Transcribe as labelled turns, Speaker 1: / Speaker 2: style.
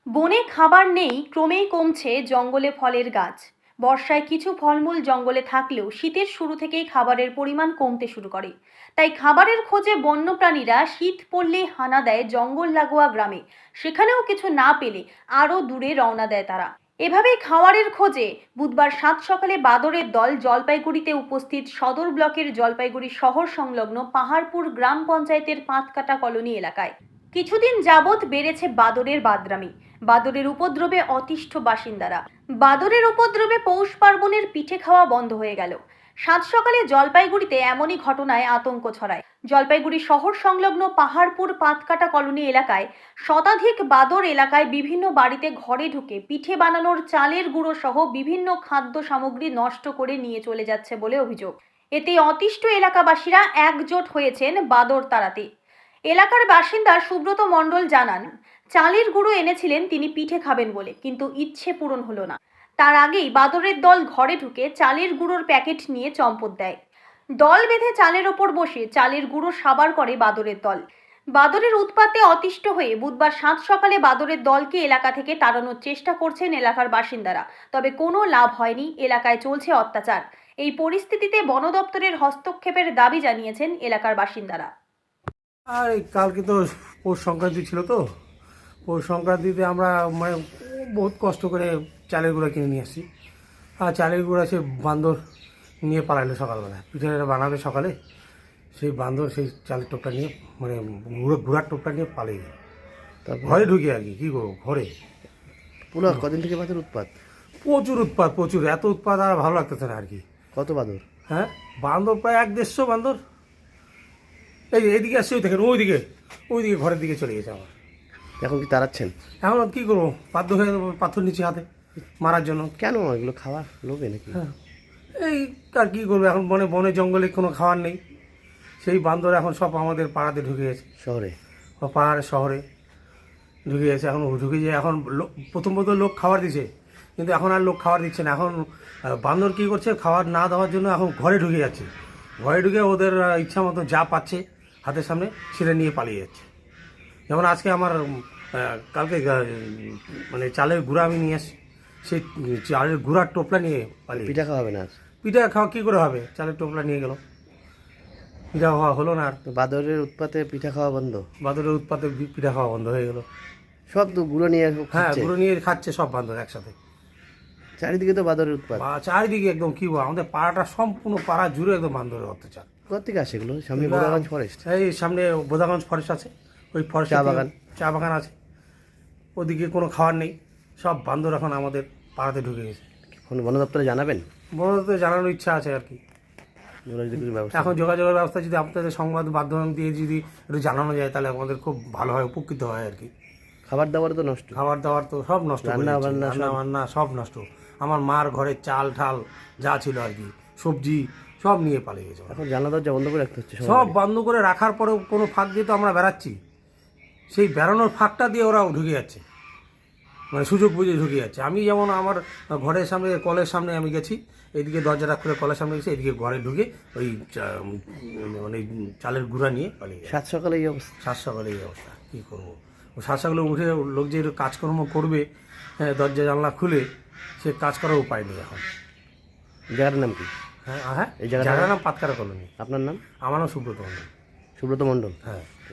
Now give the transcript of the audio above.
Speaker 1: বনে খাবার নেই, ক্রমেই কমছে জঙ্গলে ফলের গাছ। বর্ষায় কিছু ফলমূল জঙ্গলে থাকলেও শীতের শুরু থেকেই খাবারের পরিমাণ কমতে শুরু করে। তাই খাবারের খোঁজে বন্যপ্রাণীরা শীত পড়লেই হানা দেয় জঙ্গল লাগোয়া গ্রামে। সেখানেও কিছু না পেলে আরও দূরে রওনা দেয় তারা। এভাবেই খাবারের খোঁজে বুধবার সাত সকালে বাদরের দল জলপাইগুড়িতে উপস্থিত সদর ব্লকের জলপাইগুড়ি শহর সংলগ্ন পাহাড়পুর গ্রাম পঞ্চায়েতের পাঁচকাটা কলোনি এলাকায়। কিছুদিন যাবৎ বেড়েছে বাদরের বাদরামি। বাদরের উপদ্রবে অতিষ্ঠ বাসিন্দারা। বাদরের উপদ্রবে পৌষ পার্বণের পিঠে খাওয়া বন্ধ হয়ে গেল। সাত সকালে জলপাইগুড়িতে এমনই ঘটনায় আতঙ্ক ছড়ায়। জলপাইগুড়ি শহর সংলগ্ন পাহাড়পুর পাতকাটা কলোনি এলাকায় শতাধিক বাদর এলাকায় বিভিন্ন বাড়িতে ঘরে ঢুকে পিঠে বানানোর চালের গুঁড়ো সহ বিভিন্ন খাদ্য সামগ্রী নষ্ট করে নিয়ে চলে যাচ্ছে বলে অভিযোগ। এতে অতিষ্ঠ এলাকাবাসীরা একজোট হয়েছেন বাদর তাড়াতে। এলাকার বাসিন্দা সুব্রত মণ্ডল জানান, চালের গুঁড়ো এনেছিলেন তিনি পিঠে খাবেন বলে, কিন্তু ইচ্ছে পূরণ হলো না। তার আগেই বাদরের দল ঘরে ঢুকে চালের গুঁড়োর প্যাকেট নিয়ে চম্পট দেয়। দল বেঁধে চালের ওপর বসে চালের গুঁড়ো সাবার করে বাদরের দল। বাদরের উৎপাতে অতিষ্ঠ হয়ে বুধবার সাত সকালে বাদরের দলকে এলাকা থেকে তাড়ানোর চেষ্টা করছেন এলাকার বাসিন্দারা, তবে কোনো লাভ হয়নি। এলাকায় চলছে অত্যাচার। এই পরিস্থিতিতে বন দপ্তরের হস্তক্ষেপের দাবি জানিয়েছেন এলাকার বাসিন্দারা।
Speaker 2: আর এই কালকে তো পৌষ সংক্রান্তি ছিল, তো পৌষ সংক্রান্তিতে আমরা মানে বহুত কষ্ট করে চালের গুঁড়া কিনে নিয়ে আসছি। আর চালের গুঁড়া সে বান্দর নিয়ে পালাইলো সকালবেলা, পিঠে বানাবে সকালে। সেই বান্দর সেই চালের টোপটা নিয়ে মানে গুঁড়ার টোপটা নিয়ে পালিয়ে গেল। ঘরে ঢুকে আর কি করবো, ঘরে
Speaker 3: পুরো কদিন থেকে বাদর উৎপাত?
Speaker 2: প্রচুর উৎপাত, প্রচুর। এত উৎপাত আর ভালো লাগতেছে না আর কি।
Speaker 3: কত বাদর?
Speaker 2: হ্যাঁ, বান্দর প্রায় 1-150 বান্দর। এইদিকে আসছে, ওই দেখেন ওইদিকে ঘরের দিকে চলে গেছে আমার।
Speaker 3: এখন কি তাড়াচ্ছেন?
Speaker 2: এখন কী করবো, বাধ্য হয়ে যাবো পাথর নিচে হাতে মারার জন্য।
Speaker 3: কেন এগুলো খাওয়ার লোভে নাকি?
Speaker 2: হ্যাঁ, এই আর কী করবো, এখন বনে জঙ্গলে কোনো খাবার নেই। সেই বান্দর এখন সব আমাদের পাড়াতে ঢুকে গেছে,
Speaker 3: শহরে
Speaker 2: পাহাড়ে শহরে ঢুকে গেছে। এখন ঢুকে যেয়ে এখন প্রথম লোক খাবার দিছে, কিন্তু এখন আর লোক খাবার দিচ্ছে না। এখন বান্দর কী করছে, খাবার না দেওয়ার জন্য এখন ঘরে ঢুকে যাচ্ছে। ঘরে ঢুকে ওদের ইচ্ছা মতো যা পাচ্ছে হাতের সামনে সেটা নিয়ে পালিয়ে যাচ্ছে। যেমন আজকে আমার কালকে মানে চালের গুঁড়া আমি নিয়ে আসি, সেই চালের গুঁড়ার টোপলা নিয়ে পালিয়ে।
Speaker 3: পিঠা খাওয়াবে না আর?
Speaker 2: পিঠা খাওয়া কী করে হবে, চালের টোপলা নিয়ে গেল, পিঠা খাওয়া হলো না আর।
Speaker 3: তো বাদরের উৎপাতে পিঠা খাওয়া বন্ধ?
Speaker 2: বাদরের উৎপাতে পিঠা খাওয়া বন্ধ হয়ে গেল।
Speaker 3: সব তো গুঁড়ো নিয়ে
Speaker 2: হ্যাঁ,
Speaker 3: খাচ্ছে।
Speaker 2: গুঁড়ো নিয়ে খাচ্ছে সব বান্দর একসাথে।
Speaker 3: চারিদিকে তো বাদরের উৎপাত।
Speaker 2: চারিদিকে একদম কী বলবো, আমাদের পাড়াটা সম্পূর্ণ পাড়া জুড়ে একদম বান্দরের অত্যাচার।
Speaker 3: কোথা থেকে আসে এগুলো? সামনে বোদাগঞ্জ ফরেস্ট?
Speaker 2: এই সামনে বোদাগঞ্জ ফরেস্ট আছে, ওই ফরেস্ট চা বাগান আছে, ওদিকে কোনো খাবার নেই। সব বান্দর এখন আমাদের পাড়াতে ঢুকে গেছে।
Speaker 3: বন দপ্তরে জানাবেন?
Speaker 2: বন দপ্তরে জানানোর ইচ্ছা আছে আর কি। এখন যোগাযোগের ব্যবস্থা যদি আপনাদের সংবাদ মাধ্যম দিয়ে যদি একটু জানানো যায়, তাহলে আমাদের খুব ভালো হয়, উপকৃত হয় আর কি।
Speaker 3: খাবার দাবার তো নষ্ট,
Speaker 2: খাবার দাবার তো সব নষ্ট, রান্না বান্না সব নষ্ট। আমার মার ঘরে চাল ঠাল যা ছিল আর কি, সবজি সব নিয়ে পালিয়ে গেছে।
Speaker 3: এখন জানলা দরজা বন্ধ করে রাখতে হচ্ছে,
Speaker 2: সব বন্ধ করে রাখার পরেও কোনো ফাঁক দিয়ে তো আমরা বেড়াচ্ছি। সেই বেড়ানোর ফাঁকটা দিয়ে ওরাও ঢুকে যাচ্ছে, মানে সুযোগ বুঝে ঢুকে যাচ্ছে। আমি যেমন আমার ঘরের সামনে কলের সামনে আমি গেছি, এইদিকে দরজাটা খুলে কলের সামনে গেছি, এদিকে ঘরে ঢুকে ওই মানে চালের গুঁড়া নিয়ে পালিয়ে গেছে।
Speaker 3: সাত সকালে এই অবস্থা?
Speaker 2: সাত সকালে এই অবস্থা, কী করবো। সাত সকালে উঠে লোক যে কাজকর্ম করবে, হ্যাঁ, দরজা জানলা খুলে সে কাজ করার উপায় নেই এখন।
Speaker 3: জায়গাটার নাম কি?
Speaker 2: হ্যাঁ, এই জায়গাটার নাম পাতকাটা কলোনি।
Speaker 3: আপনার নাম?
Speaker 2: আমার নাম সুব্রত মণ্ডল।
Speaker 3: সুব্রত মণ্ডল,
Speaker 2: হ্যাঁ।